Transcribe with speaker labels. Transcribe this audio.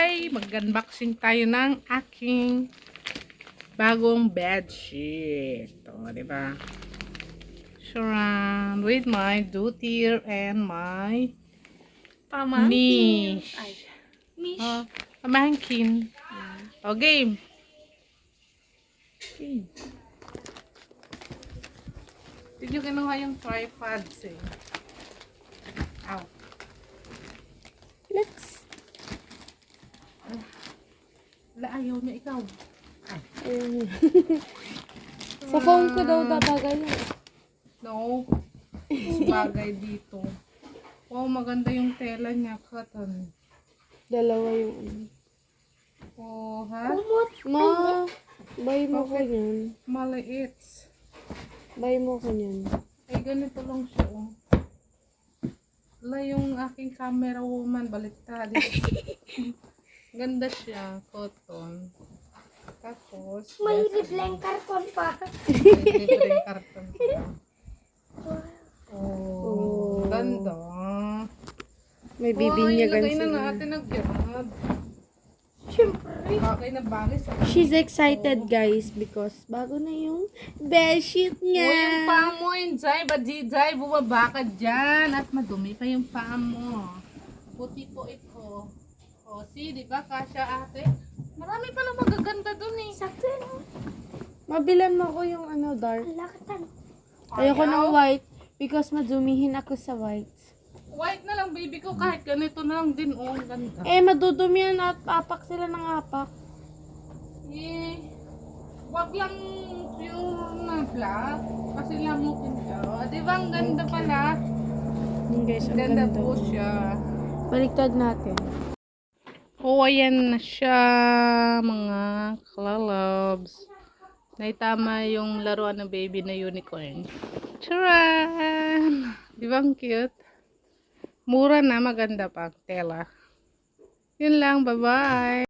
Speaker 1: Hi! Mag-unboxing tayo ng aking bagong bedsheet. O, diba? Surround with my duty and my
Speaker 2: Pamangkin.
Speaker 1: niche.
Speaker 2: Ay, niche.
Speaker 1: O, pamangkin. O, game. Game. Did you kinuha yung tripods eh? Ow.
Speaker 2: Let's.
Speaker 1: Ayaw niya ikaw.
Speaker 2: Ayun. Sa phone ko daw babagay yun.
Speaker 1: No. Bagay dito. Wow, maganda yung tela niya. Cotton.
Speaker 2: Dalawa yung ano.
Speaker 1: Oh, ha?
Speaker 2: Ma, buy mo ko yan.
Speaker 1: Maliit.
Speaker 2: Buy mo ko yan.
Speaker 1: Ay, ganito lang siya, oh. Wala yung aking camera woman. Baliktad. Ganda siya. Cotton. Tapos,
Speaker 3: May libleng karton pa.
Speaker 1: may libreng karton pa. Oh,
Speaker 2: Oh.
Speaker 1: ganda.
Speaker 2: May bibinyagan
Speaker 1: ilagay na
Speaker 2: sila.
Speaker 1: natin ang girad.
Speaker 3: Siyempre.
Speaker 1: Bagay na bagay sa
Speaker 2: She's excited guys because bago na yung bedsheet niya.
Speaker 1: O, yung paa mo, Injay, Badjijay, bumaba ka dyan. At madumi pa yung paa mo. Puti po ito. O, see, di ba, kasya ate? Marami pala magaganda dun eh.
Speaker 3: Sakto yun.
Speaker 2: Mabilan mo ko yung ano dark.
Speaker 3: Lakatan.
Speaker 2: Ayoko ng white because madumihin ako sa white.
Speaker 1: White na lang, baby ko. Kahit ganito na lang din. Oh, ang ganda.
Speaker 2: Eh, madudumi yan at apak sila ng apak.
Speaker 1: Eh, wag lang pure na black. Kasi lamukin siya. O, di ba, ang ganda pala.
Speaker 2: Yun guys, ang
Speaker 1: Ganda
Speaker 2: ganda.
Speaker 1: po siya.
Speaker 2: Baliktad natin.
Speaker 1: Oh, ayan na siya, mga klalabs. Naitama yung laruan ng baby na unicorn. Charan! Di ba ang cute? Mura na, maganda pa ang tela. Yun lang, bye-bye!